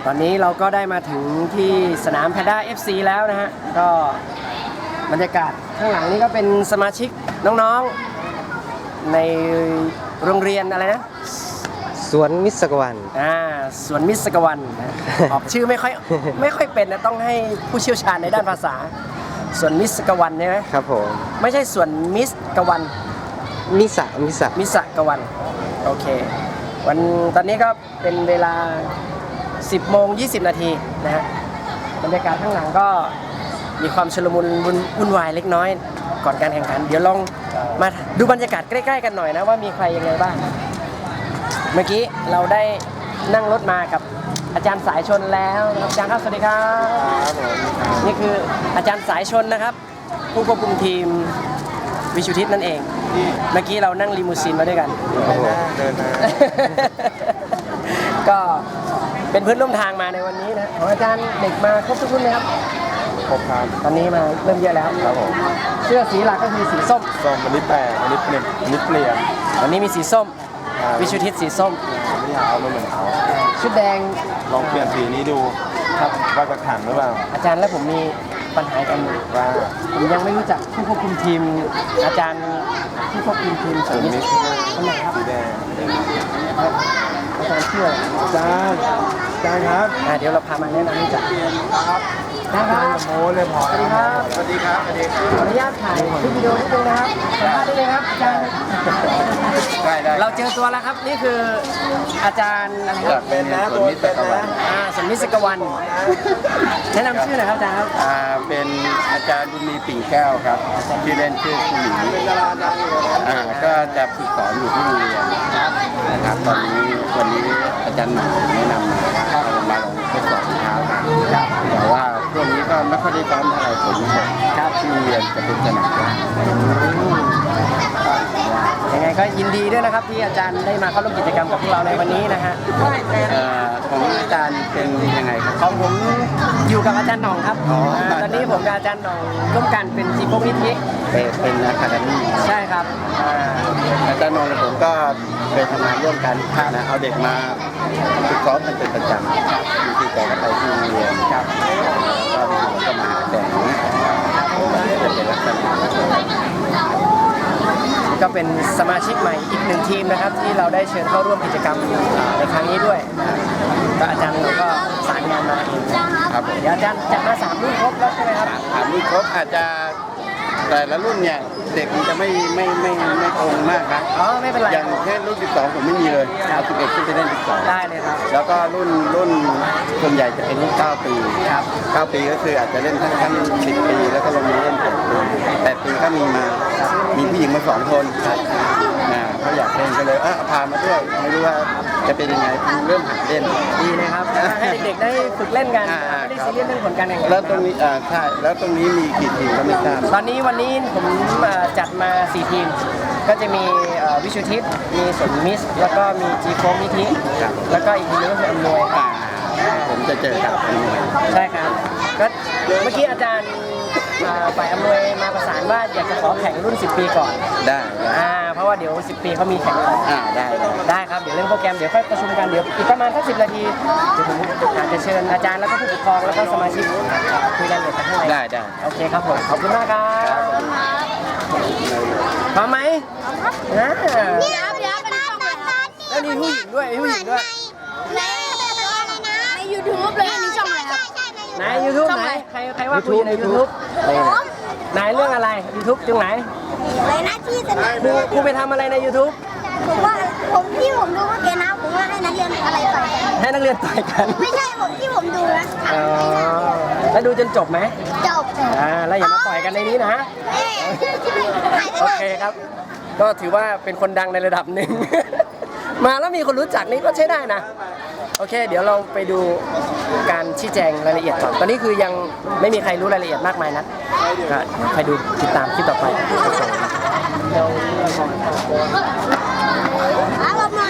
ตอนนี้เราก็ได้มาถึงที่สนามแพนด้า FC แล้วนะฮะก็บรรยากาศข้างหลังนี้ก็เป็นสมาชิกน้องๆในโรงเรียนอะไรนะสวนมิสกวันสวนมิสกวันนะออกชื่อไม่ค่อยเป็นนะต้องให้ผู้เชี่ยวชาญในด้านภาษาสวนมิสกวันใช่ไหมครับผมไม่ใช่สวนมิสกวันมิสกวันโอเคตอนนี้ก็เป็นเวลา 10 โมง 20 นาทีนะฮะบรรยากาศข้างหลังก็มีความชุลมุนวุ่นวายเล็กน้อยก่อนการแข่งขันเดี๋ยวลองมาดูบรรยากาศใกล้ๆกันหน่อยนะว่ามีใครยังไงบ้างเมื่อกี้เราได้นั่งรถมากับอาจารย์สายชนแล้วอาจารย์ครับสวัสดีครับนี่คืออาจารย์สายชนนะครับผู้ควบคุมทีมวิชุทิศนั่นเองเมื่อกี้เรานั่งลิมูซีนมาด้วยกันเดินมาก็เป็นเพื่อนร่วมทางมาในวันนี้นะของอาจารย์เด็กมาครบทุกรุ่นไหมครับครบครับตอนนี้มาเริ่มเยอะแล้วครับผมเสื้อสีหลักก็คือสีส้มวันนี้แปลกวันนี้เปลี่ยนวันนี้มีสีส้มวิชุทิศสีส้มไม่อยากเอามาเหมือนเขาชุดแดงลองเปลี่ยนสีนี้ดูครับว่าจะขังหรือเปล่าอาจารย์และผมมีปัญหากันว่าผมยังไม่รู้จักผู้ควบคุมทีมอาจารย์ผู้ควบคุมทีมสีนี้คนไหนครับสีแดงอาจารย์เชื่ออาจารย์ครับเดี๋ยวเราพามาแนะนำรู้จักครับโม้เลยพอสวัสดีครับสวัสดีครับขออนุญาตถ่ายคลิปวิดีโอนิดนึงนะครับสัมภาษณ์ได้เลยครับอาจารย์ได้เราเจอตัวแล้วครับนี่คืออาจารย์อะไรครับเป็นนะตัวเป็นนะสวนมิสกวันแนะนำชื่อหน่อยครับอาจารย์ครับเป็นอาจารย์บุญมีปิ่งแก้วครับชื่อเล่นชื่อคุณหมีก็จะฝึกสอนอยู่ที่โรงเรียนนะครับตอนนี้วันนี้อาจารย์หมาแนะนำมาว่ามาลองทดสอบเท้ากันแต่ว่าช่วงนี้ก็ไม่ค่อยได้ซ้อมอะไรผมครับที่โรงเรียนจะเป็นสนามยังไงก็ยินดีด้วยนะครับที่อาจารย์ได้มาเข้าร่วมกิจกรรมกับพวกเราในวันนี้นะฮะของอาจารย์เป็นยังไงครับของผมอยู่กับอาจารย์หน่องครับตอนนี้ผมกับอาจารย์หน่องร่วมกันเป็นจีโปวิธีเป็นอะคาเดมี่ใช่ครับอาจารย์หน่องและผมก็เคยทำงานร่วมกันนะเอาเด็กมาฝึกซ้อมกันเป็นประจำมีที่แต่ละไปที่โรงเรียนครับก็มาแต่งจะเป็นลักษณะก็เป็นสมาชิกใหม่อีกหนึ่งทีมนะครับที่เราได้เชิญเข้าร่วมกิจกรรมในครั้งนี้ด้วยก็อาจารย์เราก็สารงานมาเองครับเดี๋ยวอาจารย์จัดมา3 รุ่นครบแล้วใช่ไหมครับ 3 รุ่นครบอาจจะแต่ละรุ่นเนี่ยเด็กมันจะไม่ตรงมากนะไม่เป็นไรอย่างแค่รุ่น12ผมไม่มีเลยเอา11ขึ้นไปเล่น12 ได้เลยครับแล้วก็รุ่นส่วนใหญ่จะเป็นรุ่น9 ปีครับ 9 ปีก็คืออาจจะเล่นทั้ง10 ปีแล้วก็ลงมาเล่น8 ปีก็มีผู้หญิงมา2 คนเขาอยากเล่นก็เลยพามาด้วยไม่รู้ว่าจะเป็นยังไงเริ่มหัดเล่นดีเลยครับให้เด็กๆได้ฝึกเล่นกันไม่ได้ซีเรียสเรื่องผลการแข่งขันแล้วตรงนี้ใช่แล้วตรงนี้มีกี่ทีมก็ไม่ทราบวันนี้ผมจัดมา4 ทีมก็จะมีวิชุทิศมีสวนมิสแล้วก็มีจีโฟมิธิแล้วก็อีกทีนึงก็คืออำนวยผมจะเจอกับอำนวยใช่ครับก็เมื่อกี้อาจารย์ฝ่ายอำนวยมาประสานว่าอยากจะขอแข่งรุ่น10 ปีก่อนได้เพราะว่าเดี๋ยว10 ปีเขามีแข่งก่อนได้ครับเดี๋ยวเล่นโปรแกรมเดี๋ยวค่อยประชุมกันเดี๋ยวอีกประมาณสัก10 นาทีเดี๋ยวผมอาจจะเชิญอาจารย์แล้วก็ผู้ปกครองแล้วก็สมาชิกคุยรายละเอียดกันข้างในได้โอเคครับผมขอบคุณมากครับพร้อมไหมเดี๋ยวเป็นช่องอะไรครับแล้วมีผู้หญิงด้วยใน YouTube เลยมีช่องอะไรครับใน YouTube ไหนใครว่าคุยใน YouTube ไหนเรื่องอะไร YouTube ตรงไหนอะไรนะที่สนามครูไปทำอะไรใน YouTube ผมว่าที่ผมดูเมื่อกี้นะผมว่าให้นักเรียนอะไรต่อยกันให้นักเรียนต่อยกันไม่ใช่ที่ผมดูนะแล้วดูจนจบไหมจบแล้วอย่ามาต่อยกันในนี้นะโอเคครับก็ถือว่าเป็นคนดังในระดับหนึ่งมาแล้วมีคนรู้จักนี่ก็ใช้ได้นะโอเคเดี๋ยวเราไปดูการชี้แจงรายละเอียดก่อนตอนนี้คือยังไม่มีใครรู้รายละเอียดมากมายนักก็ใครดูติดตามคลิปต่อไป